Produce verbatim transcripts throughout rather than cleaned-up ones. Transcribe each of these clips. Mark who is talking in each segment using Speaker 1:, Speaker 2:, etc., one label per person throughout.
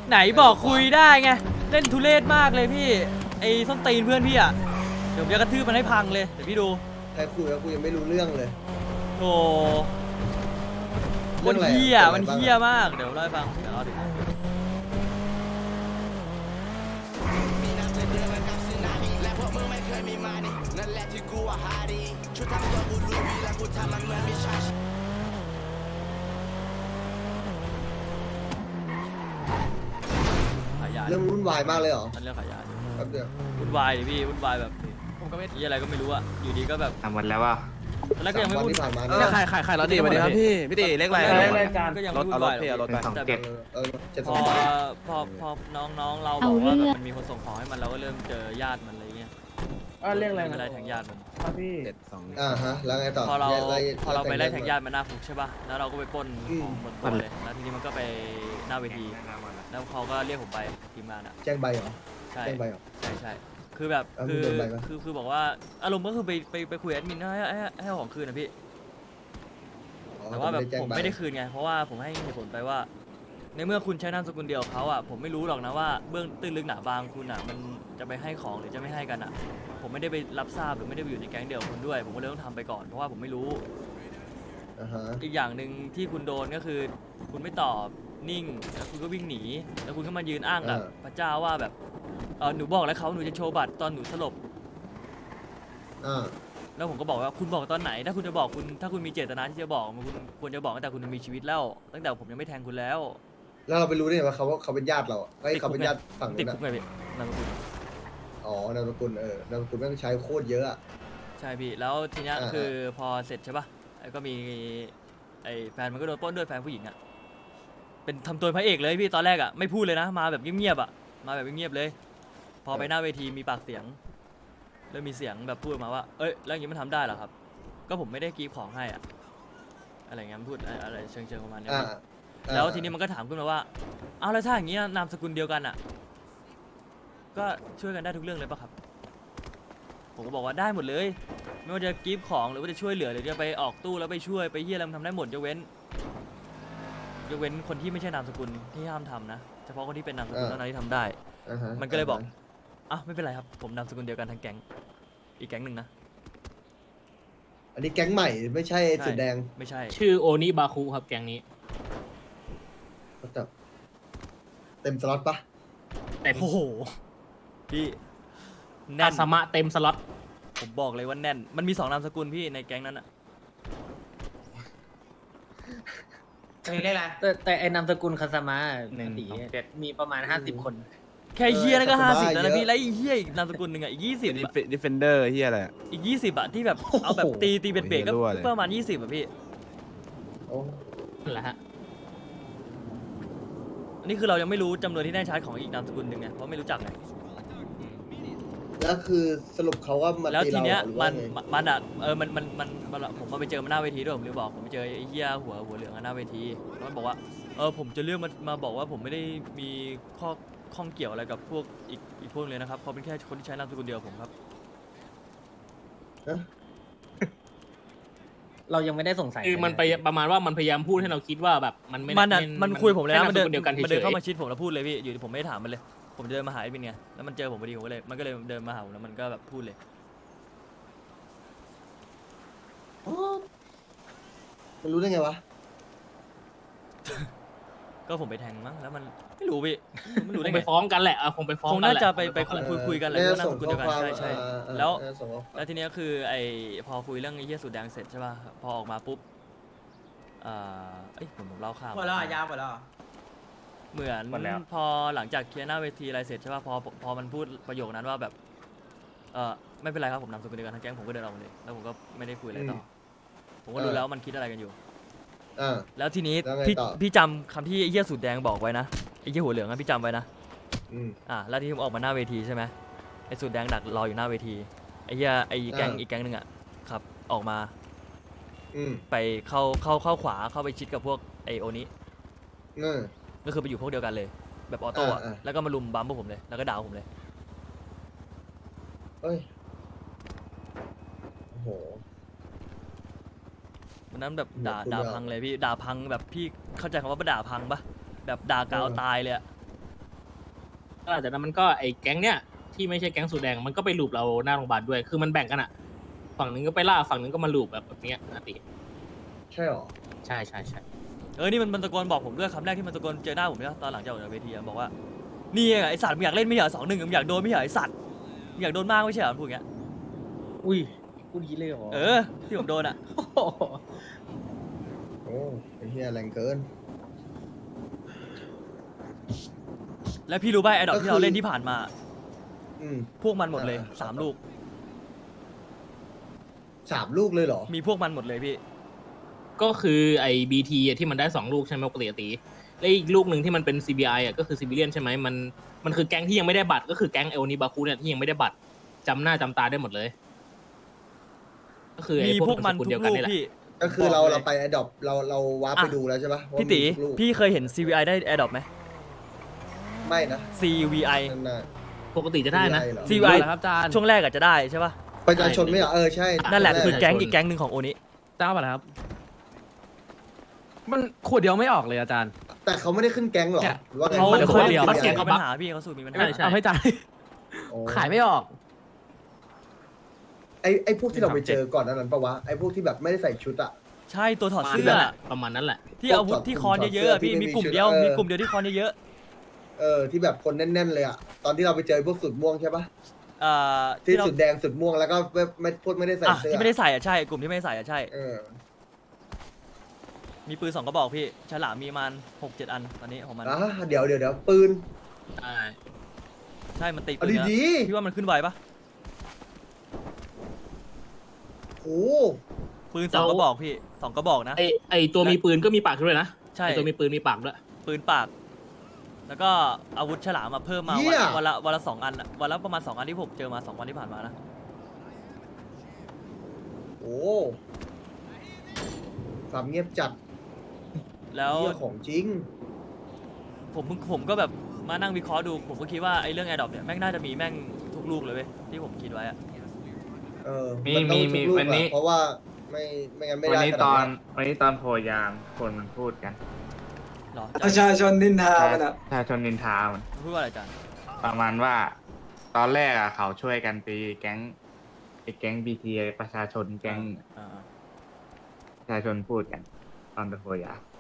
Speaker 1: ไหนบอกคุยได้ไงเล่นทุเรศมากเลยพี่ไอ้ส้นตีนเพื่อนพี่อ่ะเดี๋ยวผมจะกระทืบมันให้พังเลยเดี๋ยวพี่ดู
Speaker 2: ใครคุยแล้วกูยังไม่รู้เรื่องเลย
Speaker 1: โธ่มันเหี้ยมันเหี้ยมากเดี๋ยวเล่าให้ฟังเดี๋ยวเล่าถึงขายยา
Speaker 2: เรื่องวุ่นวายมากเลยเหรอ
Speaker 1: มันเรื่องขายยา
Speaker 2: แป๊บเดียว
Speaker 1: วุ่นวายดิพี่วุ่นวายแบบผมก็ไม่ที่อะไรก็ไม่รู้อะอยู่ดีก็แบบ
Speaker 3: ทำหมดแล้วว่า
Speaker 1: แล้วก็ยังไม่
Speaker 2: สา
Speaker 1: วุ่น
Speaker 2: ที่ผ่านมา
Speaker 3: เอ
Speaker 2: เนี่
Speaker 3: อย ขายขายขายรถดีมาดีครับพี่พี่ตีเลขอะไร
Speaker 1: ก็ยัง
Speaker 3: ร
Speaker 1: ไม่
Speaker 3: ถ
Speaker 1: วุ่
Speaker 3: เอา
Speaker 1: น
Speaker 3: ร
Speaker 1: วา
Speaker 3: ถ
Speaker 1: ย
Speaker 3: พี่เอารถไปสองเจ็ด
Speaker 2: เออเจ็ด
Speaker 1: พ
Speaker 2: สอ
Speaker 1: อง
Speaker 2: บาท
Speaker 1: พอพอน้องๆเราบอกว่าแบบมันมีคนส่งของให้มันเราก็เริ่มเจอญาติมันอะไรเงี้ย
Speaker 4: อ่าเรื่องอะไร
Speaker 1: ไม่เป็นไรแทงญาติมัน
Speaker 4: ครับพี่
Speaker 3: เจ็ดสอง
Speaker 2: อ่าฮะแล้วไงต่อ
Speaker 1: พอเรา
Speaker 2: ไล่
Speaker 1: พอเราไปไล่แทงญา
Speaker 2: ติ
Speaker 1: ติมันหน้าคุกใช่ป่ะแล้วเราก็ไปปล้น
Speaker 2: อืม
Speaker 1: ของบนตัวเลยแล้วทีนี้มันก็ไปหน้าเวทีแล้วเขาก็เรียกผมไปทีมงานอ่ะ
Speaker 2: แจ้งใบเหรอ
Speaker 1: ใช่
Speaker 2: แจ้งใบเหรอ
Speaker 1: ใช่ใช่คือแบบ
Speaker 2: เอา
Speaker 1: คือ
Speaker 2: มึงโดนใบปะ
Speaker 1: คือคือบอกว่าอารมณ์ก็คือไปไปไปคุยแอดมินให้ให้ให้เอาของคืนนะพี่
Speaker 2: อ๋อ
Speaker 1: แต่ว่าแบบ
Speaker 2: จ้ง
Speaker 1: ผม
Speaker 2: ใ
Speaker 1: ไม่ได้คืนไงเพราะว่าผมให้เหตุผลไปว่า ในเมื่อคุณใช้นามสกุลเดียวกับเขาอ่ะผมไม่รู้หรอกนะว่าเบื้องตื้นลึกหนาบางคุณอ่ะมันจะไปให้ของหรือจะไม่ให้กันอ่ะ ผมไม่ได้ไปรับทราบหรือไม่ได้ไปอยู่ในแก๊งเดียวกับคุณด้วย ผมก็เลยต้องทำไปก่อนเพราะว่าผมไม่รู้
Speaker 2: อ่าฮะ
Speaker 1: อีกอย่างหนึ่งที่คุณโดนก็คือ คุณไม่ตอบนิ่งแล้วคุณก็วิ่งหนีแล้วคุณก็มายืนอ้างกับพระเจ้าว่าแบบเออหนูบอกแล้วเขาหนูจะโชว์บัตรตอนหนูสลบ
Speaker 2: อ่า
Speaker 1: แล้วผมก็บอกว่าคุณบอกตอนไหน ถ้าคุณจะบอกคุณถ้าคุณมีเจตนาที่จะบอกมันคุณควรจะบอกตั้งแต่คุณมีชีวิตแล้ว ตั้งแต่ผมยังไม่แทงคุณแล้ว
Speaker 2: แล้วเราไปรู้ได้ไงว่าเขาว่าเขาเป็นญาติเราอ่ะไอ้ยเขาเป็นญาติฝั่ง
Speaker 1: ติด
Speaker 2: นู้น
Speaker 1: คุก
Speaker 2: อ่ะ
Speaker 1: ไงพี่นามสกุล
Speaker 2: อ๋อนามสกุลเออนามสกุลแม่งใช้โคตรเยอะอ่ะ
Speaker 1: ใช่พี่แล้วทีเนี้ย
Speaker 2: อ่า
Speaker 1: คือพอเสร็จใช่ปะไอ้ก็มีไอ้แฟนมันก็โดนปล้นด้วยแฟนผู้หญิงอ่ะเป็นทำตัวพระเอกเลยพี่ตอนแรกอ่ะไม่พูดเลยนะมาแบบเงียบๆอ่ะมาแบบเงียบๆเลย พอไปหน้าเวทีมีปากเสียงเริ่มมีเสียงแบบพูดมาว่าเอ้ยแล้วอย่างนี้มันทำได้เหรอครับ ก็ผมไม่ได้กรีบของให้อ่ะอะไรเงี้ยมันพูดอะไรเชิงเชิงๆประมาณเนี้ย
Speaker 2: อ่า
Speaker 1: พี่
Speaker 2: อ่า
Speaker 1: แล้วทีนี้มันก็ถามขึ้นมาว่าเอาแล้วถ้าอย่างนี้นามสกุลเดียวกันอ่ะ ก็ช่วยกันได้ทุกเรื่องเลยปะครับ ผมก็บอกว่าได้หมดเลย ไม่ว่าจะกรีฟของหรือว่าจะช่วยเหลือหรือจะไปออกตู้แล้วไปช่วยไปเฮียอะไรมันทำได้หมดยกเว้นยกเว้นคนที่ไม่ใช่นามสกุลที่ห้ามทำนะเฉพาะคนที่เป็นนามสกุลเท่านั้นที่ทำได้
Speaker 2: อ่าฮะ
Speaker 1: มันก็เลยบอกอ่ะไม่เป็นไรครับผมนามสกุลเดียวกันทั้งแก๊งอีกแก๊งหนึ่งนะ
Speaker 2: อันนี้แก๊งใหม่ไม่ใช่
Speaker 1: ใช่
Speaker 2: สุดแดง
Speaker 1: ไม่ใช่
Speaker 4: ชื่อโอนิบาคุครับแกงนี้
Speaker 2: แต่เต็มสล็อตปะ
Speaker 4: เต็ม
Speaker 1: โอ้โหพี่แน่
Speaker 4: อาน สมะเต็มสล็อต
Speaker 1: ผมบอกเลยว่าแน่น มันมีสองนามสกุลพี่ในแก๊งนั้นอะ
Speaker 5: มีได้ไร
Speaker 6: แต่แต่ไอ้นามสกุลคาสมา
Speaker 3: หนึ่ง
Speaker 6: ตี
Speaker 3: สองเจ็ด
Speaker 6: มีประมาณห้าสิบคน
Speaker 1: แค่เฮียนั่นก็ห้าสิบแล้วนะพี่แล้วอีเฮียอีกนามสกุลหนึ่งอะอีกยี่สิบ
Speaker 3: ดิฟเฟนเดอร์เฮียอะไร
Speaker 1: อีกยี่สิบอะที่แบบเอาแบบตีตีเบ็ดเบรกก็
Speaker 3: โอ้โหรั่วเลย
Speaker 1: ประมาณยี่สิบอะพี่
Speaker 2: โอ้
Speaker 4: นั่นแหละฮะ
Speaker 1: อันนี้คือเรายังไม่รู้จำนวนที่แน่ชัดของอีกนามสกุลหนึ่งไงเพราะไม่รู้จักไง
Speaker 2: แล้วคือสรุปเขาว่ามา
Speaker 1: แล้ว
Speaker 2: ตี
Speaker 1: ที
Speaker 2: เรา
Speaker 1: เนี้ย
Speaker 2: หรือ
Speaker 1: มั
Speaker 2: ว่าน ไง
Speaker 1: มันอะเออมันมันมันมันผมมาไปเจอมันหน้าเวทีด้วยผมลืมบอกผมไปเจอไอ้เหี้ยหัวหัวเหลืองอะหน้าเวทีแล้วมันบอกว่าเออผมจะเลือกมามาบอกว่าผมไม่ได้มีข้อข้องเกี่ยวอะไรกับพวกอีกอีกพวกเลยนะครับเขาเป็นแค่คนที่ใช้นามสกุลเดียวกับผมครับ
Speaker 6: เรายังไม่ได้สงสัย
Speaker 4: คือมันไป
Speaker 6: เลยะ
Speaker 4: ประมาณว่ามันพยายามพูดให้เราคิดว่าแบบมันไม่
Speaker 1: มันอะ
Speaker 4: ไ
Speaker 1: มันคุยผมเลยนะ
Speaker 4: แค่
Speaker 1: มันเดิน
Speaker 4: ามสกุลเดียวกัน
Speaker 1: มันเดิน
Speaker 4: เฉย
Speaker 1: เข้ามาชิดผมแล้วพูดเลยพี่อยู่ดีผมไม่ได้ถามมันเลย ผมเดินมาหาไอ้บินไงแล้วมันเจอผมพอดีผมก็เลยมันก็เลยเดินมาหาผมแล้วมันก็แบบพูดเลย
Speaker 2: มันรู้ได้ไงวะ
Speaker 1: ก็ผมไปแทงมั้งแล้วมันไม่รู้พี่ไม่รู้
Speaker 4: ค
Speaker 1: ได้
Speaker 4: ง
Speaker 1: ไง
Speaker 4: ไปฟ้องกันแหละเอาคงไปฟ้อง
Speaker 1: ค
Speaker 4: กั
Speaker 1: ง
Speaker 4: น
Speaker 1: น่า
Speaker 4: แหละ
Speaker 1: จะไปไป
Speaker 4: คง
Speaker 1: คุยคุยกันแหละ
Speaker 2: น่า
Speaker 1: ว่านา
Speaker 2: ส่
Speaker 1: ม
Speaker 2: ง
Speaker 1: สกุล
Speaker 2: ข้
Speaker 1: เดี
Speaker 2: อ
Speaker 1: ยวกัน
Speaker 2: ความ
Speaker 1: ใช่ใช่
Speaker 2: อ่าอ่า
Speaker 1: แล้ว
Speaker 2: น่าส่งข้อความ
Speaker 1: แล้วทีเนี้ยคือไอ้พอคุยเรื่องไอ้เหี้ยสูตรแดงเสร็จใช่ป่ะพอออกมาปุ๊บอ่าเอ้ยผมผมเล่าข้าม
Speaker 5: หมดแล้วเหรอยาวหมดแล้วเหรอ
Speaker 1: เหมือน
Speaker 4: หมดแล้ว
Speaker 1: พอหลังจากเคลียร์หน้าเวทีอะไรเสร็จใช่ป่ะพอพอมันพูดประโยคนั้นว่าแบบเออไม่เป็นไรครับผมนำสกุลเดียวกันทั้งแก๊งผมก็เดินออกมาเลยแล้วผมก็ไม่ได้คุยอะไรต่ออผมก็รู้แล้วว่ามันคิดอะไรกันอยู่
Speaker 2: อ่า
Speaker 1: แล้วทีนี้
Speaker 2: แล้วไง
Speaker 1: พี่
Speaker 2: ต่อ
Speaker 1: พี่จำคำที่ไอ้เหี้ยสูตรแดงบอกไว้นะไอ้เหี้ยหัวเหลืองอะพี่จำไว้นะ
Speaker 2: อืม
Speaker 1: อ่ะแล้วที่ผมออกมาหน้าเวทีใช่ไหมไอ้สูตรแดงดักรออยู่หน้าเวทีไอ้เหี้ยไอ้แก๊ง
Speaker 2: อ่า
Speaker 1: อีกแก๊งหนึ่งอ่ะครับออกมา
Speaker 2: อืม
Speaker 1: ไปเข้าเข้าเข้าขวาเข้าไปชิดกับพวกไอโอนี้
Speaker 2: เออ
Speaker 1: ก็คือไปอยู่พวกเดียวกันเลย แบบออโต้อะ
Speaker 2: อ่าอ่า
Speaker 1: แล้วก็มาลุมบัมพวกผมเลยแล้วก็ด่าผมเลย
Speaker 2: เอ้ยโอ้โห
Speaker 1: วันนั้นแบบด่า
Speaker 2: คุณ
Speaker 1: ด่า
Speaker 2: ไม่เอา
Speaker 1: พังเลยพี่ด่าพังแบบพี่เข้าใจคำว่าด่าพังปะแบบด่ากาว
Speaker 2: เออ
Speaker 1: ตายเลยอะ
Speaker 4: หลังจากนั้นมันก็ไอ้แก๊งเนี้ยที่ไม่ใช่แก๊งสูตรแดงมันก็ไปลูบเราหน้าโรงพยาบาลด้วยคือมันแบ่งกันอะฝั่งนึงก็ไปล่าฝั่งนึงก็มาลูบแบบแบบเนี้ยอาติ
Speaker 2: ใช่หรอ
Speaker 4: ใช่ใช่ใช่
Speaker 1: เออนี่มันมันตะโกนบอกผมด้วยคำแรกที่มันตะโกนเจอหน้าผมเนี่ยตอนหลังจากออกจากเวทีอะบอกว่านี่ไงไอสัตว์มึงอยากเล่นไม่ใช่เหรอสองหนึ่งมึงอยากโดนไม่ใช่เหรอไอสัตว์มึงอยากโดนมากไม่ใช่เหรอพูดอย่างเงี้ย
Speaker 6: อุ้ยพูดอยางงี้เลยเหรอ
Speaker 1: เออที่ผมโดนอะ
Speaker 6: โอ้โห
Speaker 2: โอ้ไอ้เหี้ยแรงเกิน
Speaker 1: แล้วพี่รู้ป่ะไอดอกที่เราเล่นที่ผ่านมา
Speaker 2: อืม
Speaker 1: พวกมันหมดเลยสามลูก
Speaker 2: สามลูกเลยเหรอ
Speaker 1: มีพวกมันหมดเลยพี่
Speaker 4: ก็คือไอ้บีทีที่มันได้สองลูกใช่ไหมปกติตีแล้วอีกลูกหนึ่งที่มันเป็น ซี บี ไอ อ่ะก็คือซิบิเลียนใช่ไหมมันมันคือแก๊งที่ยังไม่ได้บัตรก็คือแก๊งเอลนิบาคุเนี่ยที่ยังไม่ได้บัตรจำหน้าจำตาได้หมดเลย ก็คือไอ้
Speaker 1: มีพวกมัน
Speaker 4: นามสกุล
Speaker 1: ทุ
Speaker 4: เดีย
Speaker 1: ก
Speaker 4: วกัน
Speaker 1: ลูก
Speaker 4: นี่แหละ
Speaker 1: พี่
Speaker 2: ก็คือเรา
Speaker 1: บอกเลย
Speaker 2: เราไปแอดดอปเราเราวาร์ปไป
Speaker 1: อ่ะ
Speaker 2: ดูแล้วใช่ปะว่า
Speaker 1: พี่ตี
Speaker 2: มีทุกลูก
Speaker 1: พี่เคยเห็น ซี วี ไอ ได้แอร์ดรอปไหม
Speaker 2: ไม่นะ
Speaker 1: ซี วี ไอ
Speaker 2: นั่นน่ะ
Speaker 4: ปกติจะได้นะ
Speaker 2: เหรอ
Speaker 1: ซี วี ไอ
Speaker 3: ครับอาจารย์
Speaker 1: ช่วงแรกอาจจะได้ใช่ป่ะ
Speaker 2: ประชาชนไม่เหรอเออใช่
Speaker 1: นั่นแหละ
Speaker 2: ช่ว
Speaker 1: คือแก๊งอีกแก๊งหนึ่งของโอนิ
Speaker 3: เจ้าป่ะครับ มันขวดเดียวไม่ออกเลยอาจารย์
Speaker 2: แต่เขาไม่ได้ขึ้นแก๊งหรอ
Speaker 3: เนี่ย
Speaker 2: หรือว่าไง
Speaker 1: เขา
Speaker 3: ดี๋ยว
Speaker 1: เขา
Speaker 3: คนเดียว
Speaker 1: เขา
Speaker 4: เสี
Speaker 1: สู
Speaker 4: ย
Speaker 1: ต
Speaker 4: ง
Speaker 1: ร
Speaker 4: เขา
Speaker 1: มีปัญหาพี่เขาสูตรมีปัญหา
Speaker 4: ใช่ใช่
Speaker 3: เอาให้จ่าย
Speaker 2: โอ้
Speaker 3: ขายไม่ออก
Speaker 2: ไอไอพวกที่เราไปเจอก่อนนั้นปะวะไอพวกที่แบบไม่ได้ใส่ชุดอะ
Speaker 1: ใช่ตัวถอด
Speaker 4: ประมาณ
Speaker 1: เสื้อ
Speaker 4: นั้นแหละประมาณนั้นแหละ
Speaker 1: ที่อาวุธที่คอนเยอะๆอะพี่มีกลุ่มเดียวมีกลุ่มเดียวที่คอนเยอะ
Speaker 2: เออที่แบบคนแน่นๆเลยอะตอนที่เราไปเจอพวกสุดม่วงใช่ปะ
Speaker 1: ๆอ่า
Speaker 2: ที่
Speaker 1: เรา
Speaker 2: สุดแดงสุดม่วงแล้วก็ไม่ไม่พวกไม่ได้ใส่
Speaker 1: อ่ะ
Speaker 2: เสื้อ
Speaker 1: ที่ไม่ได้ใส่อ่ะใช่กลุ่มที่ไม่ได้ใส่อ่ะใช่
Speaker 2: เออ
Speaker 1: มีปืนสองกระบอกพี่ฉลามมีมันหกเจ็ดอันตอนนี้ของมัน
Speaker 2: อ่ะเดี๋ยวเดี๋ยวเดี๋ยวปืน
Speaker 4: ใช่
Speaker 1: ใช่มันตี
Speaker 2: เอา
Speaker 1: ปืนแล้ว
Speaker 2: ดี
Speaker 1: พี่ว่ามันขึ้นไวปะ
Speaker 2: ๆโอ้
Speaker 1: ปืนสองกระบอกพี่สองกระบอกนะ
Speaker 4: ไอไอตัวมีปืนก็มีปากด้วยนะ
Speaker 1: ใช่
Speaker 4: ไอตัวมีปืนมีปากด้วย
Speaker 1: ปืนปาก แล้วก็อาวุธฉลามมาเพิ่มมา
Speaker 2: เหี้
Speaker 1: วัน
Speaker 2: ย
Speaker 1: วันละวันละสองอันอะวันละประมาณสองอันที่ผมเจอมาสองวันที่ผ่านมานะ
Speaker 2: โอ้ความเงียบจัด
Speaker 1: แล้ว
Speaker 2: เรื่องของจริง
Speaker 1: ผมเพิ่งผมก็แบบมานั่งวิเคราะห์ดู ผมก็คิดว่าไอ้เรื่องแอร์ดรอปเนี่ยแม่งน่าจะมีแม่งทุกลูกเลยเว้ยที่ผมคิดไว้อะ
Speaker 2: เออ
Speaker 7: มี
Speaker 2: นต้อง
Speaker 7: มี
Speaker 2: ทุกลูก
Speaker 7: วันนี้
Speaker 2: อะเพราะว่าไม่ไม่งั้นไม่
Speaker 7: วัน
Speaker 2: ได้
Speaker 7: นี้
Speaker 2: ข
Speaker 7: ต
Speaker 2: นา
Speaker 7: อ
Speaker 2: ด
Speaker 7: นวันนี้ตอนโพยามคนมันพูดกัน
Speaker 1: หรอ
Speaker 8: ประชาชนนินทามันอ่ะ
Speaker 7: ประชาชนนินทามัน
Speaker 1: พูดว่าอะไรจัน
Speaker 7: ประมาณว่า ตอนแรกอะเขาช่วยกันตีแก๊งไอ้แก๊งบีทีประชาชนแก๊ง
Speaker 1: อ่า
Speaker 7: ประชาชนพูดกัน ตอนโพยาม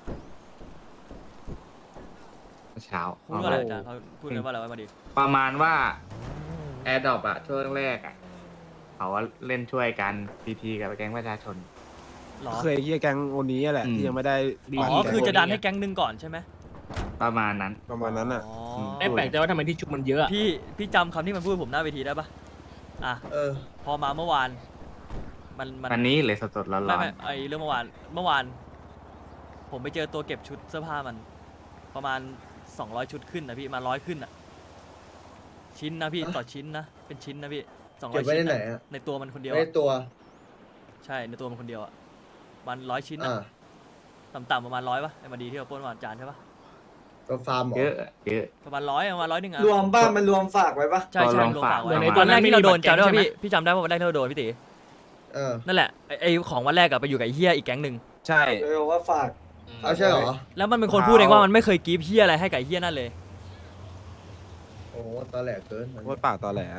Speaker 7: เมื่อเช้า
Speaker 1: พูดว่าอะไรจันเขาพูดกันว่าอะไรไว้มาดิ
Speaker 7: ประมาณว่าแอร์ดรอปอะช่วงแรกอะเขาว่าเล่นช่วยกันบีทีกับแก๊งประชาชน
Speaker 1: หรอ
Speaker 3: เคยเฮียแก๊งโอนี้แหละ
Speaker 7: อืม
Speaker 3: ที่ยังไม่ได้
Speaker 1: อ๋อคือจะดันให้แก๊งหนึ่งก่อนใช่ไหม
Speaker 7: ประมาณนั้น
Speaker 3: ประมาณนั้นอ่ะ
Speaker 1: อ๋อ
Speaker 4: ไม่แปลกใจว่าทำไมที่ชุบมันเยอะอะ
Speaker 1: พี่พี่จำคำที่มันพูดผมหน้าเวทีได้ปะอ่ะ
Speaker 2: เออ
Speaker 1: พอมาเมื่อวาน มันมัน
Speaker 7: วันนี้เลยสดๆร้อ
Speaker 1: ไม่
Speaker 7: น
Speaker 1: ไม่ไอเรื่องเมื่อวานเมื่อวาน ผมไปเจอตัวเก็บชุดเสื้อผ้ามัน ประมาณสองร้อยชุดขึ้นนะพี่มาร้อยขึ้นอ่ะ ชิ้นนะพี่
Speaker 2: ฮะ
Speaker 1: ต่อชิ้นนะเป็นชิ้นนะพี่สองร้
Speaker 2: เก็
Speaker 1: อบ ย
Speaker 2: ไว้
Speaker 1: ชิ้น
Speaker 2: ในไหน
Speaker 1: อะ
Speaker 2: อะ
Speaker 1: ในตัวมันคนเดียว
Speaker 2: ไม่
Speaker 1: อะ
Speaker 2: ได้ตัว
Speaker 1: ใช่ในตัวมันคนเดียวอ่ะวันร้อยชิ้น
Speaker 2: อ่า
Speaker 1: อะต่ำๆประมาณร้อยปะไอ้มาดีที่เราปล้นวันจานใช่ปะ
Speaker 2: ตัวฟาร์มเหร
Speaker 7: ๆ
Speaker 2: อ
Speaker 7: เยอะเยอะ
Speaker 1: ประมาณร้อยประมาณร้อยหนึ่งอะ
Speaker 8: รวมบ้านมันรวมฝากไว้ปะ
Speaker 1: ใช่ใช่
Speaker 7: ลอง
Speaker 1: รวม
Speaker 7: ฝา
Speaker 1: ฝาก กไว้
Speaker 7: ไว้
Speaker 1: วันแรกที่เราโดน
Speaker 4: ไม่มี
Speaker 1: จำได้
Speaker 4: บัตรแก๊ง
Speaker 1: ปะ
Speaker 4: ใช่
Speaker 1: พี่
Speaker 4: ไหม
Speaker 1: พี่จำได้ว่าวันแรกที่เราโดนพี่ตี
Speaker 2: เออ
Speaker 1: นั่นแหละไอ้ไอของวันแรกอะไปอยู่กับไอ้เฮียอีกแก๊งหนึ่ง
Speaker 3: ใช่
Speaker 8: เออว่าฝาก
Speaker 2: เอาใช่เหรอ
Speaker 1: แล้วมันเป็นคนพูดเองว่ามันไม่เคยกรีฟเฮียอะไรให้กับไอ้เฮียนั่นเลย
Speaker 2: โอ้ตอนแหลกเกิน
Speaker 3: โคตรปากตอแหล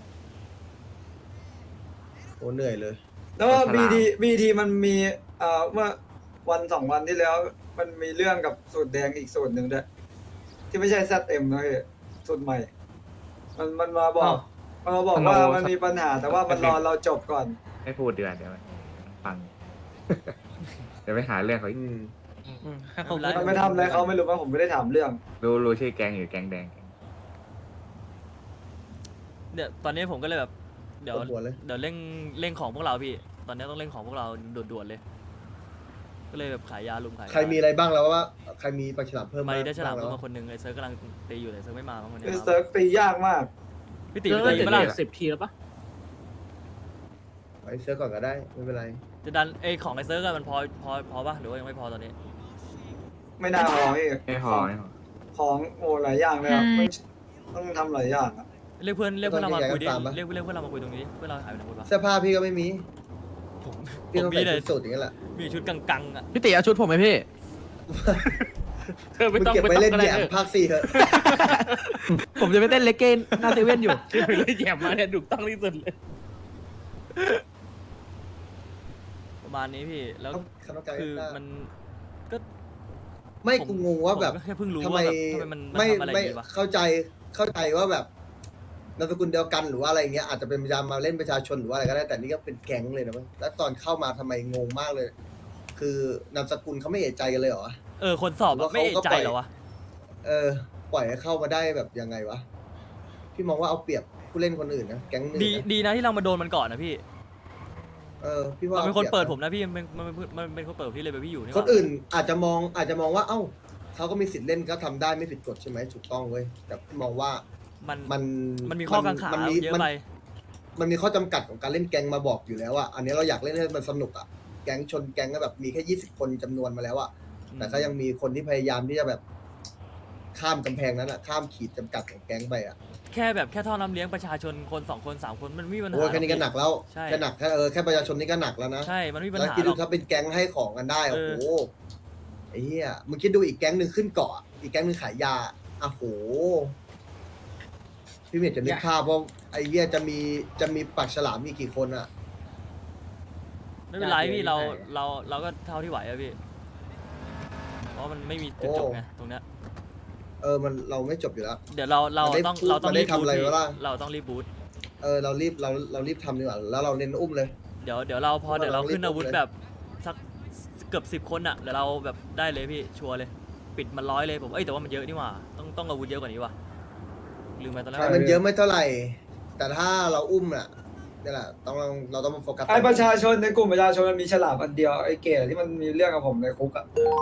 Speaker 2: โอ้เหนื่อยเลย
Speaker 8: แล้วว่า
Speaker 7: ฉลาม
Speaker 8: บีทีบีทีมันมีเอ่อเมื่อวันสองวันที่แล้ว มันมีเรื่องกับสูตรแดงอีกสูตรหนึ่งด้วยที่ไม่ใช่แซดเอ็มนะพี่สูตรใหม่ มันมันมาบอก มันมาบอกว่ามันมีปัญหา แต่ว่ามันรอเราจบก่อน
Speaker 7: ไม่พูดเดือนเดี๋ยวมันฟัง เดี๋ยวไปหาเรื่องเขาอีก
Speaker 2: อืม
Speaker 6: อืมถ้าเขา
Speaker 1: ไม่
Speaker 6: พูด
Speaker 1: เป็นไร
Speaker 8: มันไม่ทำอะไรเขาไม่รู้ว่าผมไม่ได้ถามเรื่อง
Speaker 7: รู้รู้ชื่อแก๊งอยู่แก๊งแดง
Speaker 1: เนี่ยตอนนี้ผมก็เลยแบบ เดี๋ยว
Speaker 2: ปวดหัวเลย
Speaker 1: เดี๋ยวเร่งเร่งของพวกเราพี่ ตอนนี้ต้องเร่งของพวกเราด่วนๆเลย ก็เลยแบบขายยาลุมขายยา
Speaker 2: ใครมีอะไรบ้างแล้วว่า ใครมีปลาฉลามเพิ่ม
Speaker 1: มาได้ฉลาม
Speaker 2: บ้
Speaker 1: เพิ่
Speaker 2: ง
Speaker 1: ม
Speaker 2: แล้ว
Speaker 1: มาคนหนึงไอ้เซิร์ฟกำลังตีอยู่เลยเซิร์ฟไม่มาบางคน
Speaker 8: ไอ้
Speaker 1: เนี่ย
Speaker 8: เซิร์ฟตียากมาก
Speaker 1: พี่ตี
Speaker 4: เยอะ
Speaker 1: ไป
Speaker 4: เจ็
Speaker 1: ตี
Speaker 4: ด
Speaker 1: เปะล่า
Speaker 4: สิบทีแล้วปะ
Speaker 2: ไอ้เซิร์ฟก่อนก็ได้ไม่เป็นไร
Speaker 1: จะดันไอ้ของไอ้เซิร์ฟอะมันพอพอพอปะหรือว่ายังไม่พอตอนนี้
Speaker 8: ไม่น่าพอพี่
Speaker 7: ไม่พอไม่พอ
Speaker 8: ของโอ้หลายอย่างเลยอะไม่ต้องทำหลายอย่างอะ
Speaker 1: เรียกเพื่อนเรียกเพื่อนเรามาคุยดิ
Speaker 2: ตอนนี้
Speaker 1: เรียกเรียกเพื่อนเรามาคุยตรงนี้ดิเพื่อนเราหายไปไหนหมดวะ
Speaker 2: เสื้อผ้าพี่ก็ไม่มี
Speaker 1: ผมผ
Speaker 2: พี่
Speaker 1: ม
Speaker 2: ต้อง
Speaker 1: มี
Speaker 2: ใส่
Speaker 1: เลย
Speaker 2: ชุดสูทอย่างนั้นแหละ
Speaker 1: มีชุดกังๆอ่ะ
Speaker 3: พี่ตีเอาชุดผมไหมพี่
Speaker 4: เธอไม่
Speaker 2: มึง
Speaker 4: ต้อง
Speaker 2: เก็บ
Speaker 4: ไม่
Speaker 2: ไป
Speaker 4: ต้อง
Speaker 2: เล่น
Speaker 4: ก็
Speaker 2: แห
Speaker 4: ได้
Speaker 2: ยม
Speaker 4: เออ
Speaker 2: ภาคสี่เถอะ
Speaker 3: ผมจะไปเต้นเลกเก้นหน้าเซเว่นอยู่
Speaker 4: ที่ไปเลยแย่มาเนี่ยถูกต้องที่สุดเลย
Speaker 1: ประมาณนี้พี่แล้ว
Speaker 2: คณะกรรมการ
Speaker 1: คือมันก็
Speaker 2: ไม่
Speaker 1: ผม
Speaker 2: กูงงว่าแบบ
Speaker 1: ผมก็แค่เพิ่งรู้
Speaker 2: ทำไม
Speaker 1: ว่าแบบทำไมมันมัน
Speaker 2: ไม่
Speaker 1: ทำอะไร
Speaker 2: ไม่
Speaker 1: อย่างงี้วะ
Speaker 2: เข้าใจเข้าใจว่าแบบนามสกุลเดียวกันหรือว่าอะไรเงี้ยอาจจะเป็นพยายามมาเล่นประชาชนหรือว่าอะไรก็ได้แต่นี่ก็เป็นแก๊งเลยนะเว้ยแล้วตอนเข้ามาทำไมงงมากเลย คือนามสกุลเขาไม่เอะใจกันเลยเหรอ
Speaker 1: เออคนสอบ
Speaker 2: หรือ
Speaker 1: อะ
Speaker 2: ว่า
Speaker 1: ไม่เอะ
Speaker 2: เขาก็
Speaker 1: ใจ
Speaker 2: ปล่อย
Speaker 1: เหรอวะ
Speaker 2: เออ ปล่อยให้เข้ามาได้แบบยังไงวะพี่มองว่าเอาเปรียบผู้เล่นคนอื่นนะแก๊งนึง
Speaker 1: ดี
Speaker 2: นะ
Speaker 1: ดีนะที่เรามาโดนมันก่อนนะพี่
Speaker 2: เออพี่ว่า
Speaker 1: มันเป็นคน
Speaker 2: อา
Speaker 1: เปิด
Speaker 2: รียบ
Speaker 1: ผมนะพี่มันเป็นมันเป็นมันเป็นคนเปิดที่เลยไปพี่อยู่นี่
Speaker 2: คนอื่นอาจจะมองอาจจะมองว่าเอ้าเขาก็มีสิทธิ์เล่นก็ทำได้ไม่ผิดกฎใช่ไหมถูกต้องเว้ยแต่พี่มองว่า
Speaker 1: มัน
Speaker 2: มัน
Speaker 1: มันมีข้อกังขา
Speaker 2: มันมี
Speaker 1: เยอะ
Speaker 2: มัน
Speaker 1: ไป
Speaker 2: มันมีข้อจำกัดของการเล่นแก๊งมาบอกอยู่แล้วอะอันนี้เราอยากเล่นให้มันสนุกอะแก๊งชนแก๊งก็แบบมีแค่ยี่สิบคนจำนวนมาแล้วอะแต่ก็ยังมีคนที่พยายามที่จะแบบข้ามกำแพงนั้นอะข้ามขีดจำกัดของแก๊งไปอะ
Speaker 1: แค่แบบแค่ท่อน้ำเลี้ยงประชาชนคนสองคนสามคนมันไม่มีปัญหา
Speaker 2: โอ้ยแค่นี้ก็หนักแล้ว
Speaker 1: ใช่
Speaker 2: แค่หนักแค่เออแค่ประชาชนนี่ก็หนักแล้วนะ
Speaker 1: ใช่มันไม่มีปัญ
Speaker 2: แล้ว
Speaker 1: หา
Speaker 2: คิด
Speaker 1: หร
Speaker 2: ดู
Speaker 1: อก
Speaker 2: ถ้าเป็นแก๊งให้ของกันได้โอ้
Speaker 1: เออ
Speaker 2: โหไอ้เหี้ยมึงคิดดูอีกแก๊งหนึ่งขึ้นเกาะอีกแก๊งหนึ่งขายยาอ่ะโหพี่เมย์จะนึกภาพว่าไอ้เหี้ยจะมีจะมีปากฉลามมีกี่คนอะ
Speaker 1: ไม่เป็นไรพี่เรา
Speaker 6: ได้
Speaker 1: เราเราก็เท่าที่ไหวอะพี่เพราะมันไม่มีจุดจบไงตรงเนี้ย
Speaker 2: เออมันเราไม่จบอยู่แล้ว
Speaker 1: เดี๋ยวเราเรา
Speaker 2: มันได้
Speaker 1: ต้อง
Speaker 2: พูด
Speaker 1: เราต้อง
Speaker 2: มันได้
Speaker 1: รีบบูท
Speaker 2: ทำอะไร
Speaker 1: พี่
Speaker 2: ไว้ล่ะ
Speaker 1: เราต้องรีบบูท
Speaker 2: เออเรารีบเราเรารีบทำดีกว่าแล้วเราเน้นอุ้มเลย
Speaker 1: เดี๋ยวเดี๋ยวเราพอ
Speaker 2: เรา
Speaker 1: เดี๋ยวเรา
Speaker 2: รีบ
Speaker 1: ขึ้นอาวุธ
Speaker 2: เลย
Speaker 1: แบบสักเกือบสิบคนอะเดี๋ยวเราแบบได้เลยพี่ชัวร์เลย ปิดมันร้อยเลยผมเอ้ยแต่ว่ามันเยอะนี่หว่าต้องต้องอาวุธเยอะกว่านี้ว่ะลืมไปตอนแรก
Speaker 2: แต่มันเยอะไม่เท่าไหร่ แต่ถ้าเราอุ้มน่ะนี่แหละต้องเราเราต้องมาโฟกัส
Speaker 8: ไอ้ประชาชนในกลุ่มประชาชนมันมีฉลามอันเดียวไอ้เก๋ที่มันมีเรื่องกับผมในคุกอะ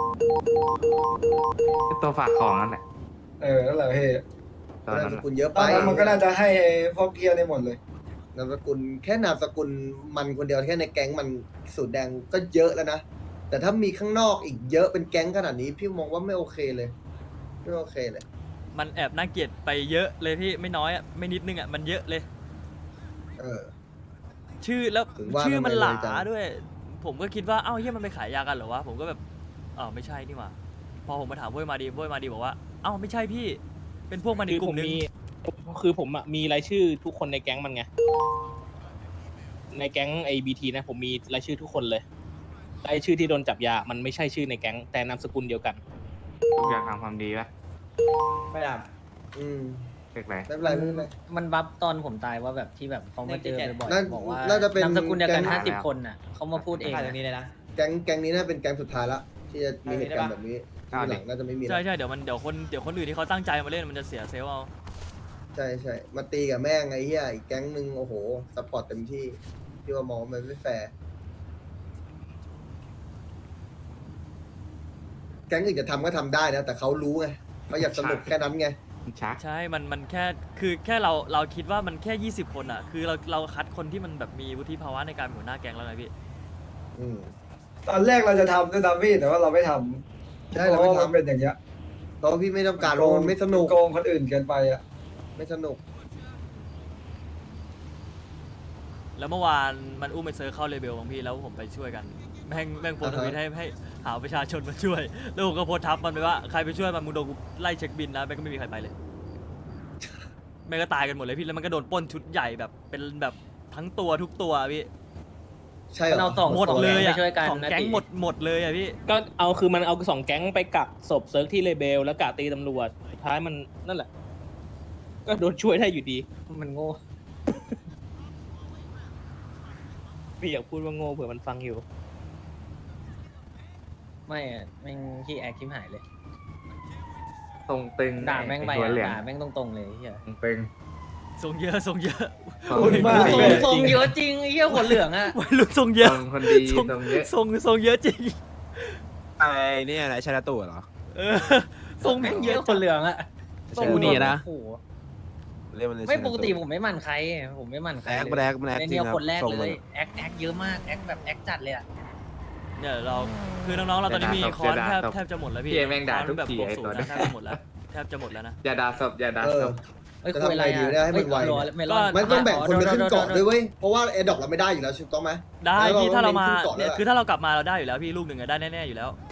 Speaker 7: ตัวฝากของนั่นแหละ
Speaker 8: เออนั่นแหละเฮ้ย
Speaker 7: ตอน
Speaker 2: นาม
Speaker 7: นั้น
Speaker 2: ส
Speaker 7: อะ
Speaker 2: กุลเยอะ
Speaker 8: ต
Speaker 2: ไป
Speaker 8: อนนั้นมันก็น่าจะให้ไอ้พวกเกียร์ได้หมดเลย
Speaker 2: นามสกุลแค่นามสกุลมันคนเดียวแค่ในแก๊งมันสูตรแดงก็เยอะแล้วนะแต่ถ้ามีข้างนอกอีกเยอะเป็นแก๊งขนาดนี้พี่มองว่าไม่โอเคเลยไม่โอเคเลย
Speaker 1: มันแอบน่าเกลียดไปเยอะเลยพี่ไม่น้อยอะไม่นิดนึงอะมันเยอะเลย
Speaker 2: เออ
Speaker 1: ชื่อแล้ว
Speaker 2: ถึงว่า
Speaker 1: ชื่อมัน
Speaker 2: ทำไม
Speaker 1: หลา
Speaker 2: เลยจัง
Speaker 1: ด้วย ผมก็คิดว่าเอ้าเฮียมันไปขายยากันเหรอวะผมก็แบบอ๋อไม่ใช่นี่หว่าพอผมมาถามพวกมาดีพวกมาดีบอกว่าเอ้าไม่ใช่พี่ เป็นพวกมันอี
Speaker 4: คื
Speaker 1: ก
Speaker 4: อก
Speaker 1: ลุ่
Speaker 4: ผม ม
Speaker 1: นึง
Speaker 4: มีคือผมอะมีรายชื่อทุกคนในแก๊งมันไงในแก๊งไอบีทีนะผมมีรายชื่อทุกคนเลยรายชื่อที่โดนจับยามันไม่ใช่ชื่อในแก๊งแต่นามสกุลเดียวกัน
Speaker 7: ทุกอย่างทำความดีปะ
Speaker 6: ไม่ได้
Speaker 2: อืม
Speaker 7: เรียกอะไร
Speaker 2: ไม่เป็นไรไม่เป็นไร
Speaker 6: มันบัฟตอนผมตายว่าแบบที่แบบเขามาเจอบ่อย
Speaker 2: น่า
Speaker 6: ๆบอกว่า
Speaker 2: น่าจะเป็น
Speaker 6: นามสกุลเดียวกัน
Speaker 2: แก๊ง
Speaker 6: ห้าสิบคนน่ะเขามาพูดเอง
Speaker 5: ขาด
Speaker 6: อะ
Speaker 5: ตรงนี้เลยนะ
Speaker 2: แก๊งแก๊งนี้น่าเป็นแก๊งสุดท้ายละที่จะมีเหตุการณ์แบบนี้ที่หลังน่าจะไม่มีแล้ว
Speaker 1: ใช่ใช่เดี๋ยวมันเดี๋ยวคนเดี๋ยวคนอื่นที่เขาตั้งใจมาเล่นมันจะเสียเซลล์เอา
Speaker 2: ใช่ใช่มาตีกับแม่งไอ้เหี้ยอีกแก๊งหนึ่งโอ้โหซัพพอร์ตเต็มที่ที่ว่ามองว่ามันไม่แฟร์แก๊งอื่นจะทำก็ทำได้นะแต่เขารู้ไงเขาอยากสนุกแค่นั้นไง
Speaker 7: ชัก
Speaker 1: ใช่ มัน มันแค่ คือ แค่เรา เราคิดว่ามันแค่ยี่สิบคนอ่ะ คือเรา เราคัดคนที่มันแบบมีวุฒิภาวะในการเป็นหัวหน้าแก๊งแล้วไงพี่
Speaker 2: อืม
Speaker 8: ตอนแรกเราจะทำด้วยนะพี่แต่ว่าเราไม่ทำ
Speaker 2: ใช่เราไม่
Speaker 8: พะว่
Speaker 2: ทำ
Speaker 8: นเป็นอย่างเงี้ย
Speaker 2: เพราะพี่ไม่ต้องการมันไม่สนุก
Speaker 8: โกงคนอื่นเกินไปอ่ะ
Speaker 2: ไม่สนุก
Speaker 1: แล้วเมื่อวานมันอุ้มไปเซิร์ฟเข้าเลเบลของพี่แล้วผมไปช่วยกัน แม่ง แม่งโพสต์ทวิตให้ให้หาประชาชนมาช่วย แล้วผมก็โพสต์ทับมันไปว่าใครไปช่วยมันมึงโดนกูไล่เช็คบินนะแม่งก็ไม่มีใครไปเลย แม่งก็ตายกันหมดเลยพี่ แล้วมันก็โดนปล้นชุดใหญ่แบบ เป็นแบบทั้งตัวทุกตัวพี่
Speaker 2: ใช่เหร
Speaker 6: มันเอา
Speaker 2: อ
Speaker 6: สอง
Speaker 1: หมดเลย
Speaker 6: ไป
Speaker 1: อ่ะ
Speaker 6: ช่วยกัน
Speaker 1: สอง
Speaker 6: นะ
Speaker 1: แก๊ง
Speaker 6: ติ
Speaker 1: หมดหมดเลยอ่ะพี่
Speaker 4: ก็เอาคือมันเอาสองแก๊งไปกักศพเซิร์ฟที่เลเบลแล้วกะตีตำรวจสุดท้ายมันนั่นแหละ ก็โดนช่วยได้อยู่ดี
Speaker 6: มันโง่
Speaker 4: ไม่อยากพูดว่าโง่เผื่อมันฟังอยู่
Speaker 6: ไม่อะแม่งขี้แอคขี้หายเลย
Speaker 7: ตรงตึง
Speaker 6: ด่าแม่งไป
Speaker 7: อ้หัว
Speaker 6: อะ
Speaker 7: เหลือง
Speaker 6: ด่าแม่งตรงๆเลยเฮีย
Speaker 7: ตรงตึง
Speaker 1: ทรงเยอะทรงเยอะ
Speaker 7: ตรง
Speaker 8: พูดมาก
Speaker 6: ทรง
Speaker 8: เลย
Speaker 6: ทรงเยอะจริงไอ้เฮียหัวเหลืองอะ
Speaker 1: วัยรุ่นทรงเยอะ
Speaker 7: ตรงคนดี
Speaker 1: ทรง
Speaker 7: ตรงเยอะ
Speaker 1: ทรงทรงเยอะจริง
Speaker 3: ไอ้เนี่ยอะไรชนะตู่เหรอ
Speaker 1: เออทรงแม่งเยอะ
Speaker 6: หัวเหลืองอะ
Speaker 3: ใช่อูนี่นะ
Speaker 6: โอ้โห
Speaker 3: เรียกมันเลย
Speaker 6: ไม่
Speaker 3: ชนะ
Speaker 6: ปกติผมไม่หมั่นใคร ผมไม่หมั่นใคร
Speaker 3: แอค
Speaker 6: เลย
Speaker 3: มันแอคมันแอค
Speaker 6: ใน
Speaker 3: จริ
Speaker 6: เนี่
Speaker 3: ง
Speaker 6: ย
Speaker 3: ครับ
Speaker 6: คนแรก
Speaker 3: ทรง
Speaker 6: เล
Speaker 3: มัน
Speaker 6: ยแอคแอคเยอะมากแอคแบบแอคจัดเลยอะ
Speaker 1: เนี่ยเราคือน้องๆเราตอนนี้มีคอนแทบแทบจะหมดแล้วพี่
Speaker 7: พี่แม่งด่าทุก
Speaker 1: แบบ
Speaker 7: ที
Speaker 1: บวก
Speaker 7: ไอ้
Speaker 1: ศู
Speaker 7: ตัวน
Speaker 1: ย์
Speaker 7: นั้
Speaker 1: นะ
Speaker 7: น
Speaker 1: แทบจะหมดแล้วแทบจะหมดแล้วนะ
Speaker 7: อย่าด่าศพอย่าด่า
Speaker 2: เอ
Speaker 7: ศ
Speaker 2: อ
Speaker 7: พ
Speaker 6: เอ้ย
Speaker 2: จะ
Speaker 6: คุย
Speaker 2: ทำ
Speaker 6: อะไร
Speaker 2: ไงดี
Speaker 6: อะ
Speaker 2: ได้ให้มันไว
Speaker 6: เอ้ย
Speaker 2: เนี่ย
Speaker 6: เมลอน
Speaker 2: มันต้องแบ่งคนไปขึ้นเกาะ
Speaker 6: โดโดโด
Speaker 2: ด้วยเว้ย เพราะว่าแอร์ดรอปเราไม่ได้อยู่แล้วถูกต้องไหม
Speaker 1: ได้พี่
Speaker 2: แล้วเรา
Speaker 1: ถ้าเรามา
Speaker 2: เล่นขึ้นเกาะ
Speaker 1: เนี่ย
Speaker 2: แล้ว
Speaker 1: คือถ้าเรากลับมาเราได้อยู่แล้วพี่ลูกหนึ่งอะได้แน่ๆอยู่แล้ว
Speaker 2: เ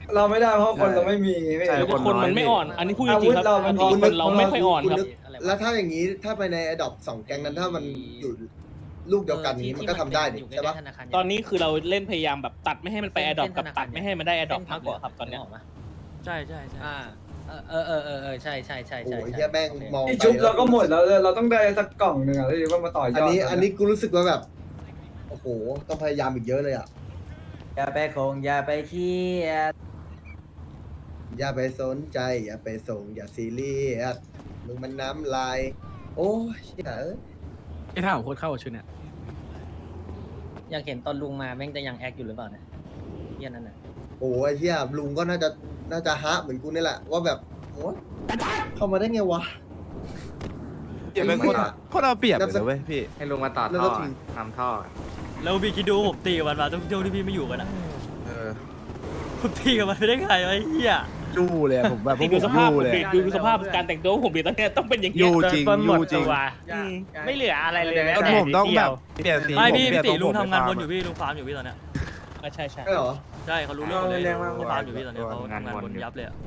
Speaker 8: เราไม่ได้เพราะคนเราไม่มีไม่
Speaker 9: ใช่
Speaker 4: แต่คนมันไม่อ่อน อันนี้พูดจ
Speaker 8: อา
Speaker 4: ริ
Speaker 8: วุ
Speaker 4: ง
Speaker 8: ธ
Speaker 4: ๆครับ
Speaker 8: เรา
Speaker 4: ป
Speaker 8: มั
Speaker 4: ก
Speaker 8: น
Speaker 4: ติ
Speaker 8: พอ
Speaker 4: คนเราไม่ค่อยอ่อนครับ
Speaker 2: แล้วถ้าอย่างนี้ถ้าไปในอดอปสองแก๊งนั้นถ้ามันอยู่ลูกเดียวกันนี้มันก็ทำได้ดิใช่ปะ
Speaker 4: ตอนนี้คือเราเล่นพยายามแบบตัดไม่ให้มันไปแอดดอปกับตัดไม่ให้มันได้แอดดอปมากกว่าครับตอนเนี้ย
Speaker 1: ใช่ใช่ใช่
Speaker 6: อ่าเออเออเออเออใช่ใช่ใช่
Speaker 2: โอ้
Speaker 6: ใช่
Speaker 2: ยเฮียแม่งมอง
Speaker 8: ที่
Speaker 2: ไป
Speaker 8: ชุบเราก็หมดแล้วเราต้องได้สักกล่องหนึ่งอ่ะที่ว่ามาต่อยอด
Speaker 2: อันนี้อันนี้กูรู้สึกว่าแบบโอ้โหต้องพยายามอีกเยอะเลยอ่ะ
Speaker 5: อย่าไปคงอย่าไปเครียด
Speaker 2: อย่าไปสนใจอย่าไปส่งอย่าซีเรียสมึงมันน้ำลาย โอ้ยเชี่ยเอ้ย
Speaker 3: ไอ้ท่าของโคตรเข้าชุดเนี่ย
Speaker 6: อยากเห็นตอนลุงมาแม่งจะยังแอคอยู่หรือเปล่าเนี่ยเฮียนั่นน่ะ
Speaker 2: โอ้ยเชี่ยลุงก็น่าจะน่าจะฮะเหมือนกูนี่แหละว่าแบบโอ้ยเข้ามาได้ไงวะ
Speaker 9: เก็บเป็นคนโคตรเอาเปรียบเลยนะเว้ยพี่
Speaker 7: ให้ลุงมาต่อ
Speaker 2: แล้ว
Speaker 7: ท่
Speaker 2: ก็
Speaker 7: อ
Speaker 2: ทิ้ง
Speaker 7: ทำท่อ
Speaker 1: แล้วพี่คิดดูผมตีกับมันมาช่วงที่พี่ไม่อยู่กันอะ
Speaker 9: เออ
Speaker 1: ผมตีกับมันไปได้ไงวะไอ้เหี้ย
Speaker 9: ยู่เลยอะผมแบบพวก
Speaker 4: ดู
Speaker 9: ผ
Speaker 4: ส
Speaker 9: ม
Speaker 4: ภาพ
Speaker 9: ยู่เลย
Speaker 4: ดูดูสภาพการแต่งตัวผมดีตอนเนี้ยต้องเป็นอย่างเงี้
Speaker 9: ยู่จริงยู่จริง
Speaker 6: ไม่เหลืออะไรเลย
Speaker 9: ก็ผมต้องแบบเปลี่ยนสี
Speaker 1: ไม่พี่
Speaker 9: ผเปลี่
Speaker 1: พี่
Speaker 9: ยน
Speaker 1: ตีลุง
Speaker 9: ทร
Speaker 1: ทำงานบน
Speaker 9: ผม
Speaker 1: อยู่พี่ลุงฟาร์มอยู่พี่ตอนเนี้ย
Speaker 4: ใช่ใช่
Speaker 2: ใช่เหรอ
Speaker 1: ใช่เขารู้เรื่องหมดเลยเขาฟาร์มอยู่พี่ตอนเนี้ยเขาทำงานบนยับเลยอะ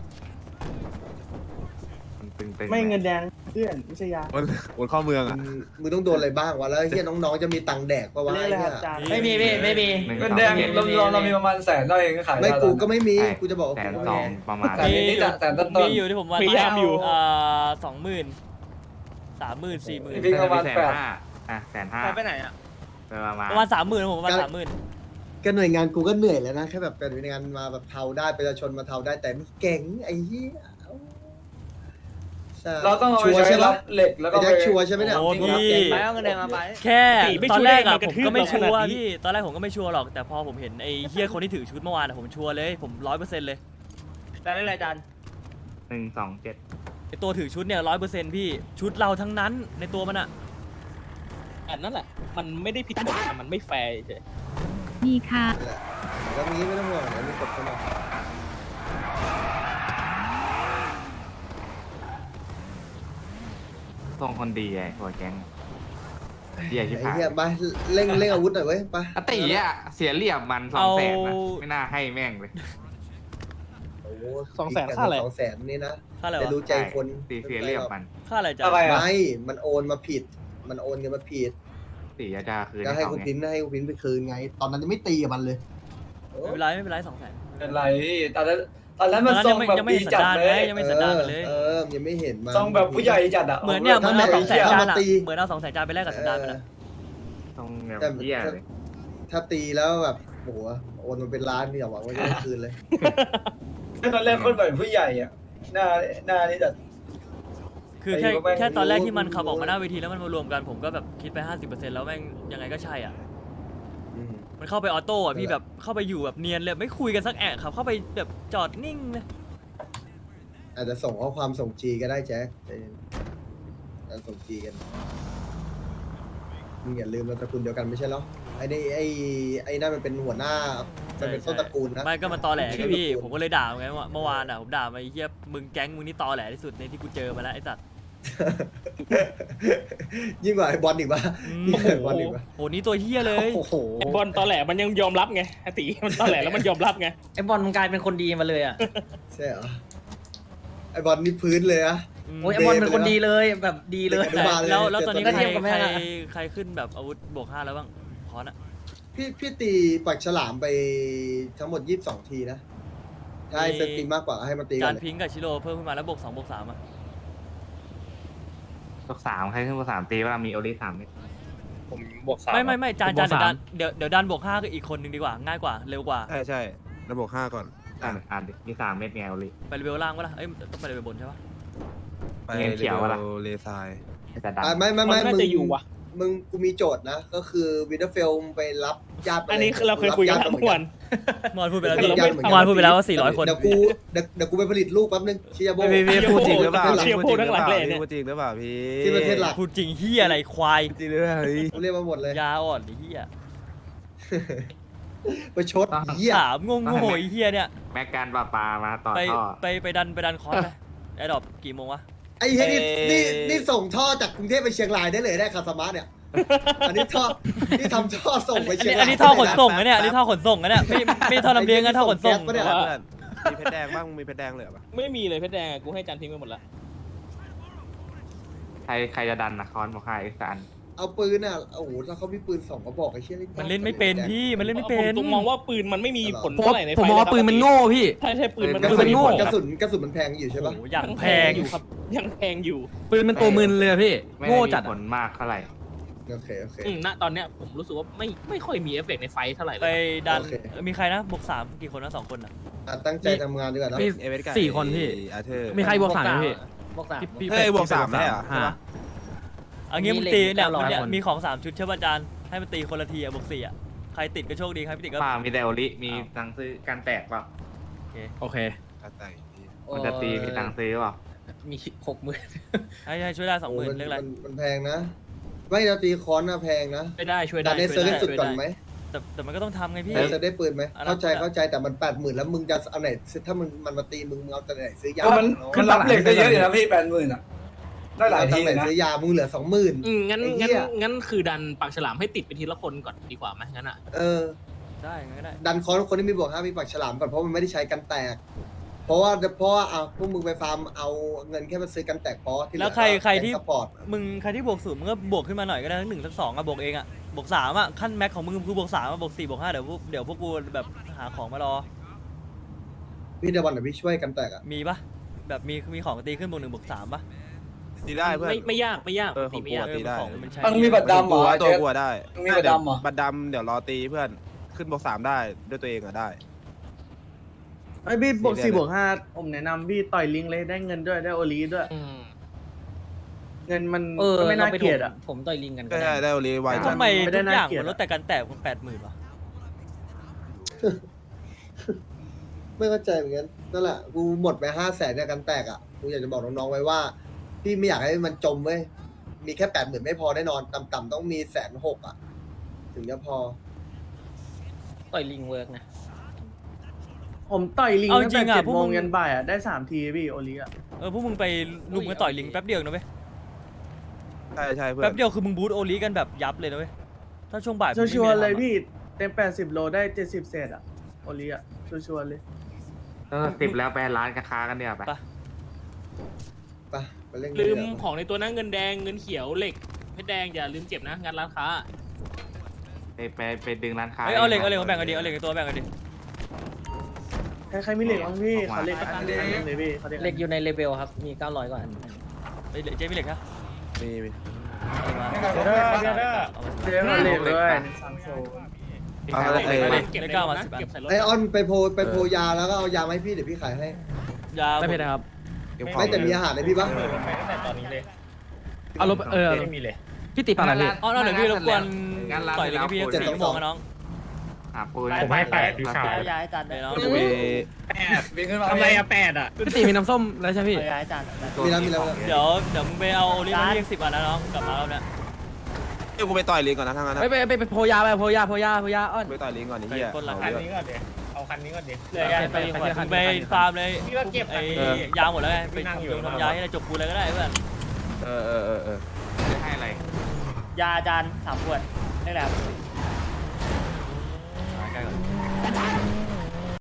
Speaker 7: มันตึงๆ
Speaker 5: ไม่เงินแดงเพื่อนไม่ใช่ยา
Speaker 9: บนบนข้อเมืองอ่ะ
Speaker 2: มึงมึงต้องโดนอะไรบ้างวะแล้วเฮียน้องๆจะมีตังค์แดกปะวะไอ้เหี้ย
Speaker 5: ไม่มีพี่ไม่มี
Speaker 7: หนึ่ง
Speaker 8: เงิน
Speaker 7: สอง
Speaker 8: แดง
Speaker 7: เจ็ด
Speaker 8: เราเราเรามีประมาณแสนได้เองก็ขาย
Speaker 2: ไม่
Speaker 8: ได้
Speaker 2: กูก็ไม่มี
Speaker 7: ใช่
Speaker 2: กูจะบอกว่า
Speaker 7: แสน
Speaker 2: กู
Speaker 7: ส
Speaker 2: ไม่
Speaker 7: อง
Speaker 2: มี
Speaker 7: ประมาณ
Speaker 8: แต่นิดๆอะแต่ต้น
Speaker 1: มีอยู่ที่ผมว่า
Speaker 4: พยายามอยู่
Speaker 1: อ่าสองหมื่นสามหมื่นสี่หมื่น
Speaker 8: พี่ประมาณ
Speaker 7: แสน
Speaker 8: แปด
Speaker 7: ห้าอ่ะแสนห้า
Speaker 6: ไปไหนอ่ะ
Speaker 7: ประมาณ
Speaker 1: ประมาณสามหมื่นผมประมาณสามหมื่น
Speaker 2: ก็หน่วยงานกูก็เหนื่อยแล้วนะแค่แบบเป็นหน่วยงานมาแบบเทาได้ประชาชนมาเทาได้แต่มึงเก่งไอ้เหี้ยใช่
Speaker 8: เราต้องเอาไป
Speaker 2: ชัวร์
Speaker 8: ใช้
Speaker 2: ใช่
Speaker 8: รั
Speaker 2: ปะ
Speaker 8: บเหล็กแล้วก็
Speaker 2: ไอ้
Speaker 8: ไป
Speaker 2: แจ็คชัวร์ใช่ไหมเนี่ย
Speaker 1: โอ้พี่
Speaker 6: ไปเอาเงินแดงมาไป
Speaker 1: แค่
Speaker 4: ไม่
Speaker 1: ตอนแรกอะ
Speaker 4: ช่วย
Speaker 1: ผมก็ไม่
Speaker 4: มันกระทื
Speaker 1: ชั
Speaker 4: บ
Speaker 1: วร์
Speaker 4: เราขนาดนี้
Speaker 1: พี่ตอนแรกผมก็ไม่ชัวร์หรอกแต่พอผมเห็นไอ้เฮียคนที่ถือชุดเมื่อวานอะผมชัวร์เลยผมร้อยเปอร์เซ็นต์เลย
Speaker 6: แต่ได้ไรจัน
Speaker 7: หนึ่งสองเจ็ด
Speaker 1: ไอ้ตัวถือชุดเนี่ยร้อยเปอร์เซ็นต์พี่ชุดเราทั้งนั้นในตัวมันอะ
Speaker 4: อันนั้นแหละมันไม่ได้ผิดกฎแต่มันไม่แฟร์เฉย
Speaker 10: ดีค่ะ
Speaker 2: แหละแล้วงี้ไม่ต้องห่วงเดี๋ยวมีกดเข้ามา
Speaker 7: ทรงคนดีไอ้หัวแก๊งเดียชิบ
Speaker 2: ไอ้
Speaker 7: หาย
Speaker 2: เหี้ยไปเร่งเร่งอาวุธหน่อยเว้ยไป
Speaker 7: อติอ่ะเสียเหลี่ยมมันสองแสนนะไม่น่าให้แม่งเลย
Speaker 2: โอ้โห
Speaker 4: สองแสนค่าอะไร
Speaker 2: สองแสนนี่นะ
Speaker 1: ค่าอะไร
Speaker 2: จะ
Speaker 1: วะ
Speaker 2: รู้ใจคน
Speaker 7: ตีเสียเหลี่ยมมัน
Speaker 1: ค่าอะไรจ๊ะ
Speaker 8: อะไรอ่ะ
Speaker 2: ไม่มันโอนมาผิด มันโอนเงินมาผิด
Speaker 7: ตีอาจารย์คืน
Speaker 2: ก็ให้
Speaker 7: เขา
Speaker 2: คุณ
Speaker 7: ไง
Speaker 2: พินให้คุณพินไปคืนไง ตอนนั้นยังไม่ตีกับมันเลย
Speaker 1: ไม่เป็นไรไม่เป็นไรสองแสน
Speaker 8: เป็นไรพี่ตอนนั้นตอนนั้น
Speaker 1: ตอ
Speaker 8: มัน น
Speaker 1: นั้น
Speaker 8: ทร
Speaker 1: ยัง งไม่
Speaker 8: แบบ
Speaker 1: ยังไม่
Speaker 8: ดี
Speaker 1: เห็นสั
Speaker 8: จั
Speaker 1: น
Speaker 8: ด
Speaker 1: ดาน
Speaker 8: เล
Speaker 1: ไง
Speaker 8: ย
Speaker 1: ยังไม่เห็นสันดานมันเลย
Speaker 2: เออยังไม่เห็นมัน
Speaker 8: ทรงแบบผู้ใหญ่จัดอ่ะ
Speaker 1: เหมือนเนี่ยเหมือนเอาสองแสนจานอะ
Speaker 2: ตี
Speaker 1: เหมือนเอาสองแสนจานไปแลกกับสันดานมันอะ
Speaker 7: ตรงแบบ
Speaker 2: แต่
Speaker 7: เหี้ยเลย
Speaker 2: ถ้าตีแล้วแบบโอ้โหโอนมันเป็นล้านนี่อย่าหวังว่าจะได้คืนเลย
Speaker 8: ตอนแรกคนแบบผู้ใหญ่อ่ะหน้าหน้านี่จัด
Speaker 1: คือแค่
Speaker 8: ไอ้พวกแม่ง
Speaker 1: แค่ตอนแรกที่มันขับออกมาหน้าเวทีแล้วมันมารวมกันผมก็แบบคิดไปห้าสิบเปอร์เซ็นต์แล้วแม่งยังไงก็ใช่อ่ะ
Speaker 2: อืม
Speaker 1: มันเข้าไปออโต้อะพี่
Speaker 2: นั่นแห
Speaker 1: แบ
Speaker 2: ละ
Speaker 1: บเข้าไปอยู่แบบเนียนเลยไม่คุยกันสักแอะครับเข้าไปแบบจอดนิ่งเลย
Speaker 2: อาจจะส่งข้อความส่งจีก็ได้แจ๊คใจเย็นอาจจะส่งจีกันมึงอย่าลืมเราตระกูลเดียวกันไม่ใช่เหรอไอ้นี่ไอ้ไอ้นั่นมันเป็นหัวหน้ามันเป็นต้นตระกูลนะ
Speaker 1: ไม่ก็มันตอแหล
Speaker 2: ชื่
Speaker 1: ไง
Speaker 2: อ
Speaker 1: พี่
Speaker 2: ตระกูล
Speaker 1: ผมก็เลยด่ามันไงว่าเมื่อวานอ่ะผมด่ามาไอ้เหี้ยมึงแก๊งมึงนี่ตอแหลที่สุดในที่กูเจอมาแล้วไอ้สัตว์
Speaker 2: ยิ่งกว่าไอ้บอลอีกปะ
Speaker 1: อืม
Speaker 2: ยิ่งกว่าไอ้บอลอีกปะ
Speaker 1: โหนี่ตัวเหี้ยเลย
Speaker 2: โอ้โห
Speaker 4: ไอ้บอลตอแหลมันยังยอมรับไงไอ้ตีมันตอแหลแล้วมันยอมรับไง
Speaker 6: ไอ้บอลมันกลายเป็นคนดีมาเลยอ่ะ
Speaker 2: ใช่เหรอไอ้บอลนี่พื้นเลยอะ
Speaker 1: อืม
Speaker 6: โอ้ยไอ้บอลเป็นคนดีเลยแบบดีเลย
Speaker 2: เด็กอนุบาล
Speaker 1: แล้วแล้วตอนนี้
Speaker 6: ก็
Speaker 1: ใคร
Speaker 6: เทียบกับแม่
Speaker 1: ใคร
Speaker 6: อะ
Speaker 1: ใครขึ้นแบบอาวุธบวกห้าแล้วบ้างคอนอะ
Speaker 2: พี่พี่ตีปากฉลามไปทั้งหมดยี่สิบสองทีนะถ้าให้เซตตีมากกว่าก็ให้มันตีกั
Speaker 1: จาน น
Speaker 2: เลย
Speaker 1: พิงค์กับชิโร่เพิ่มขึ้นมาแล้วบวกสองบวกสามอะ
Speaker 7: ตกสามใครขึ้นมาสามตีว่ามีโอลิสามเม็ด
Speaker 4: ผมบวกสาม
Speaker 1: ไม่ไม่ไม่จาน
Speaker 3: ผมบ
Speaker 1: จา
Speaker 3: วน ก
Speaker 1: เดี๋ยว
Speaker 3: สา
Speaker 1: ดั
Speaker 3: ม
Speaker 1: นเดี๋ยวเดี๋ยวดันบวกห้าก็อีกคนนึงดีกว่าง่ายกว่าเร็วกว่า
Speaker 9: ใช่ใช่ระบบห้าก่อน
Speaker 7: อ่านอ่านดิมีสามเม็ดไงโอลิ
Speaker 1: ไปเลเวลล่างวะล่ะเอ้ยต้องไปเลเวลบนใช่ปะ
Speaker 9: ไป
Speaker 7: เงินเขียวอะล่ะ
Speaker 9: เลซาย
Speaker 7: จะดัน
Speaker 2: อ่ะไม่ไม่
Speaker 4: มัน
Speaker 2: ไม่
Speaker 4: น่า
Speaker 2: มึง
Speaker 4: จะอยู่วะ
Speaker 2: มึงกูมีโจทย์นะ ก็คือวินเทอร์เฟลไปรับญาติไป
Speaker 4: อันนี้คือเราเคยคุยกันเมื่อวาน
Speaker 1: มอนพูดไปแล้ว
Speaker 2: เรา
Speaker 1: พี่
Speaker 2: ไม่
Speaker 1: มอนพูดไปแล้วว่าสี่ร้อยคน
Speaker 2: เดี๋ยวกูเดี๋ยวเดี๋ยวกูไปผลิตลูกแป๊บนึงชิยาโบ
Speaker 9: พี่พี่พูดจริงหรือเปล่า
Speaker 4: เชียร์
Speaker 9: พูดจริงห
Speaker 4: พูดทั้
Speaker 9: รือง
Speaker 4: ห
Speaker 9: เป
Speaker 4: ลั
Speaker 9: ล่าง
Speaker 4: เลยเนี่ย
Speaker 9: พูดจริงหรือเปล่าพี่
Speaker 2: ที่ประเทศหลัก
Speaker 1: พูดจริงเฮียอะไรควาย
Speaker 9: จริงหรือเปล่าพี่
Speaker 2: กูเรียกมาหมดเลย
Speaker 1: ยาอ่อนไอ้เฮีย
Speaker 2: ไปชดเหี้ย
Speaker 1: ถามงงโง่ไอ้เฮียเนี่ย
Speaker 7: แม็กการปลาปลามาต่อ
Speaker 1: ไป
Speaker 7: ท่อ
Speaker 1: ไปไปดันไปดันคอร์สไปไอ้ดอกกี่โมงวะ
Speaker 2: ไอ้เหี้ยนี่นี่นี่ส่งท่อจากกรุงเทพไปเชียงรายได้เลยได้คาสมาร์ทเนี่ย อันนี้ท่อนี่ทำท่อส่งไป
Speaker 1: อัน
Speaker 2: เชีย
Speaker 1: นี้
Speaker 2: งราย
Speaker 1: อันนี้ท่อขนส่งนะเนี่ยอันนี้ท่อขนส่งนะเนี่ยไม่ไม่ท่อลำเลียงนะท่อขนส่ง
Speaker 2: แก๊สปะเนี่ย
Speaker 1: ว่า
Speaker 9: เพื่อนมีเพชรแดงบ้างมึงมีเพชรแดงเหลือปะ
Speaker 4: ไม่มีเลยเพชรแดงอะกูให้จันทิ้งไปหมดละ
Speaker 7: ใครใครจะดันนะคอนบอกให้อีกสาน
Speaker 2: เอาปืนอ่ะโอ้โหถ้าเขามีปืนสองกระบอกไอ้เชี่ย
Speaker 1: มันเล่นไม่เป็นพี่มันเล่นไม่เป็น
Speaker 4: ผมมองว่าปืนมันไม่มีผล
Speaker 3: ผม
Speaker 4: เท่าไหร่ในไฟ
Speaker 3: ผมมองว่าปืนมันโง่พี่
Speaker 4: ใช่ใช่ปืนมัน
Speaker 2: กระ
Speaker 3: ปื
Speaker 2: สุน
Speaker 3: โง่
Speaker 2: กระสุนกระสุนมันแพงอยู่ใช่
Speaker 1: โอ้
Speaker 2: ปะ
Speaker 1: โหอย่างแพง
Speaker 4: อยู่ครับยังแพงอยู่
Speaker 3: ปืนมันตัวมึนเลยอะพี่
Speaker 7: ไม่
Speaker 3: โง่
Speaker 7: ได้มี
Speaker 3: จัด
Speaker 7: ผ
Speaker 3: อะ
Speaker 7: ลมากเท่าไหร่
Speaker 2: โอเคโอเค
Speaker 4: อืมณตอนเนี้ยผมรู้สึกว่าไม่ไม่ค่อยมีเอฟเฟกต์ในไฟท์เท่าไหร่เล
Speaker 1: ไป
Speaker 4: ย
Speaker 1: ดัน
Speaker 2: โอเค
Speaker 1: มีใครนะบวกสามกี่คนนะสองคนอ่ะ
Speaker 2: อ่ะตั้งใจทำงานดีกว่านะ
Speaker 3: มี
Speaker 9: เอเวสกับ
Speaker 3: สี่คนพี่
Speaker 9: อาเธอร์
Speaker 3: มีใครบวกสามไหมพี่
Speaker 6: บวกสาม
Speaker 3: พี่
Speaker 9: เฮ้ยบวกสามได้เหรอ
Speaker 3: ห้า
Speaker 1: เอางี้
Speaker 6: มี
Speaker 1: มึง
Speaker 6: เหล็ก
Speaker 1: ตีเนี่ย
Speaker 6: เก้าร้อย
Speaker 1: เนี่ย
Speaker 3: คน
Speaker 1: มีของสามชุดใช่ป่ะอาจารย์ให้มันตีคนละทีอะบวกสี่อะใครติดก็โชคดีใครไม่ติดก็
Speaker 7: ป้ามีแต่โอลิมีตังค์ซื้อการแตกเปล่า
Speaker 3: โอเค
Speaker 9: การแต่งพี่
Speaker 7: มันจะตีมีตังค์ซื้อเปล่า
Speaker 6: มีหกหมื่น
Speaker 1: ให้ให้ช่วยได้สองหมื่น
Speaker 2: โ
Speaker 1: เรียกอะไร
Speaker 2: มันมันแพงนะ ไม่เราตีคอนนะแพงนะ
Speaker 4: ช่วยได้ช่วย
Speaker 2: แต่
Speaker 4: ได้
Speaker 2: ใน
Speaker 4: ช่
Speaker 2: เซิ
Speaker 4: วย
Speaker 2: ร์ฟ
Speaker 4: ได้
Speaker 2: สุดก่อนไหม
Speaker 1: แต่แต่มันก็ต้องทำไงพี่
Speaker 2: ในเซิร์ฟได้ปืนไหม
Speaker 1: อันนั้น
Speaker 2: เข้าใจเข้าใจแต่มันแปดหมื่นแล้วมึงจะเอาไหนถ้ามึงมันมาตีมึงมึงเอาแต่ไหนซื้อยา
Speaker 8: มันมันรับเหล็กได้เยอะอยู่นะพี่แปดหมื่นอ่ะ ได้หลาย
Speaker 2: เอา
Speaker 8: ที
Speaker 2: แต่ไหน
Speaker 8: เลยนะ
Speaker 2: ซื้อยามึงเหลือสองหมื่น
Speaker 4: อืมงั้น
Speaker 2: ไอ้เหี้
Speaker 4: งั้น
Speaker 2: ย
Speaker 4: งั้นคือดันปากฉลามให้ติดไปทีละคนก่อนดีกว่าไหมงั้นอ่ะ
Speaker 2: เออ
Speaker 1: ได้งั้นก็ได้
Speaker 2: ดันคอนคนที่มีบวกห้ามีปากฉลามก่อนเพราะมันไม่ได้ใช้กันแตก เพราะว่าเพราะว่าอ่ะพวกมึงไปฟาร์มเอาเงินแค่มาซื้อกันแตกพอที่เห
Speaker 1: แล้
Speaker 2: ลื
Speaker 1: ว
Speaker 2: อ
Speaker 1: ใครใครที่
Speaker 2: สปอร์ต
Speaker 1: มึงใครที่บวกศูนย์มึงก็บวกขึ้นมาหน่อยก็ได้ทั้งหนึ่งทั้งสองอะบวกเองอะบวกสามอะขั้นแม็กของมึงคือบวกสามอะบวกสี่บวกห้าเดี๋ยวพวกเดี๋ยวพวกกูแบบหาของมารอ
Speaker 2: พี่เดวันเดี๋ยวพี่ช่วยกันแตกอ่ะ
Speaker 1: มีปะแบบมีมีของตีขึ้นบวกหนึ่งบวกสามปะ
Speaker 9: ตีได้เพื่อน
Speaker 4: ไม่ไม่ยากไม่ยาก
Speaker 9: เออของ
Speaker 4: ตีไม่ยาก
Speaker 9: กู ตีได้
Speaker 1: ของมันใช้
Speaker 8: มันมีบัตรดำเหรอ
Speaker 9: ตัวกูอะได้
Speaker 8: มันมีบัตรดำเหรอ
Speaker 9: บัตรดำเดี๋ยวรอตีเพื่อนขึ้นบวกสามได้ด้วยตัวเองอะได้
Speaker 5: ไอ้พี่บวก
Speaker 9: สี่
Speaker 5: สี่
Speaker 9: เดือน
Speaker 5: บวกห้าผมแนะนำพี่ต่อยลิงเลยได้เงินด้วยได้โอลีด้วย
Speaker 4: อืม
Speaker 5: เงินมัน
Speaker 6: เออ
Speaker 5: ก็ไม่น่า
Speaker 6: ไป
Speaker 5: เกลียดอ่ะ
Speaker 6: ผมต่อยลิงกันก็
Speaker 9: ก็
Speaker 6: ได้
Speaker 9: ได้ได้โอลีไวจั
Speaker 1: ทำ
Speaker 9: ง
Speaker 1: ไม
Speaker 5: ไม่ได้
Speaker 1: ทุกอย่าง
Speaker 5: น่าเกลียด
Speaker 1: มันลดแต่กันแตกมันแปดหมื่นวะ
Speaker 2: ไม่เข้าใจเหมือนกันนั่นแหละกูหมดไปห้าแสนในกันแตกอ่ะกูอยากจะบอกน้องๆไว้ว่า พี่ไม่อยากให้มันจมเว้ยมีแค่แปดหมื่นไม่พอแน่นอนต่ำๆต้องมีแสนหกอ่ะ ถึงจะพอ
Speaker 6: ต่อยลิงเวิร์กนะ
Speaker 5: ผมต่อยลิง
Speaker 1: เอา
Speaker 5: ตั้ง
Speaker 1: จริ
Speaker 5: แต่
Speaker 1: งอะ
Speaker 5: เจ็ด
Speaker 1: พวก
Speaker 5: โม
Speaker 1: มึ
Speaker 5: ง
Speaker 1: ง
Speaker 5: ยันบ่ายอ่ะได้สามทีพี่โอลีอ่ะ
Speaker 1: เออพวกมึงไปลุมกันต่อยลิงแป๊บเดียวนะเว้ย
Speaker 9: ใช่ใช่เพื่อ
Speaker 1: แป๊
Speaker 9: น
Speaker 1: บเดียวคือมึงบูทโอลีกันแบบยับเลยนะเว้ยถ้าช่วงบ่ายมึงไม่มี
Speaker 5: ชัวร์ๆ
Speaker 1: อะไร
Speaker 5: เลย
Speaker 1: ทำอะ
Speaker 5: พี่เต็มแปดสิบโลได้เจ็ดสิบเศษอ่ะโอลีอ่ะชัวร์ๆเลย
Speaker 7: เออสิบแล้วไปร้านกระค้ากันเนี่ยไป
Speaker 1: ไป
Speaker 2: ไปไปเล่น
Speaker 4: ลืม
Speaker 2: เดี๋ยว
Speaker 4: ของในตัวนั้นเงินแดงเงินเขียวเหล็กเพชรแดงอย่าลืมเก็บนะงานร้านค้า
Speaker 7: ไปไปไปดึงร้านค้า
Speaker 1: เอ้ยเอาเหล็กเอาเหล็กมาแบ่งกันดิเอาเหล็กในตัวแบ่งกันดิ
Speaker 5: ใครใครมีเหล็กบ้างพี่เขาเหล็กอันหนึงเลยพี่เขาเหล็ก
Speaker 6: เหล็กอยู่ในเลเวลครับ มีเก้าร้อยกว่าอัน
Speaker 1: เอ้ยเหล็กเจ๊มีเหล็กนะ
Speaker 9: มีมี
Speaker 1: เอามา
Speaker 5: เดี๋ยวเขาเหล็กด้วยซังโซ
Speaker 9: เอาอะไร
Speaker 4: เก็บ
Speaker 9: เอ้ย
Speaker 4: ไว้เก็บในรถนะเก็บใส่รถ
Speaker 2: ไอออนไปโพไปโพยาแล้วก็เอายามาให้พี่เดี๋ยวพี่ขายให้
Speaker 1: ยา
Speaker 3: ได้เพชรนะครับ
Speaker 9: เก็บของ
Speaker 2: ไม่แต่มีอาหารให้พี่ปะ
Speaker 3: เอารถเออพี่ติดปากอะไรพี่
Speaker 1: อ๋อเดี๋ยวพี่รบกวนต่อยลิงให้พี่สี่ชั่วโมงนะน้อง
Speaker 7: หาปูน
Speaker 10: ผมให้แปดพี่ชาย
Speaker 6: ย้ายจาน
Speaker 1: เดี๋ยวน้อง
Speaker 9: มี
Speaker 10: ทำไรอะแปดอะ
Speaker 3: พี่ติมีน้ำส้มแล้วใช่ไหมพี่
Speaker 6: ย้ายจาน
Speaker 2: มีแล้วมีแล้ว
Speaker 1: เดี๋ยวเดี๋ยวมึงไปเอาโอลีมาเรียกสิบอันนะน้องกลับมาแล้วเนี่ย
Speaker 9: เดี๋ยวกูไปต่อยลิงก่อนนะทั้งนั้นนะ
Speaker 3: ไปไปไปไปโพยาไปโพยาโพยาโพยาอ้อน
Speaker 9: ไปต่อยลิงก่อนนี่เฮีย
Speaker 1: คนละ
Speaker 9: เอา
Speaker 10: คัน
Speaker 9: เยอะ
Speaker 10: นี้ก่อนเดี๋ยวเอาคันนี้ก่อนเดี๋ยว
Speaker 1: เหลือยาไปมึงไปฟาร์มเลย
Speaker 10: พี่ว่าเก็บ
Speaker 1: ไอ้
Speaker 10: เออ
Speaker 1: ยาหมดแล้วไงไป
Speaker 10: นั่งอยู่
Speaker 1: ทำยาให้อะไรจบกูเลยก็ได้เพื่อน
Speaker 9: เออเออเออเออ
Speaker 7: จะให้อะไร
Speaker 6: ยาจานสามขวดได้แล้ว
Speaker 1: เ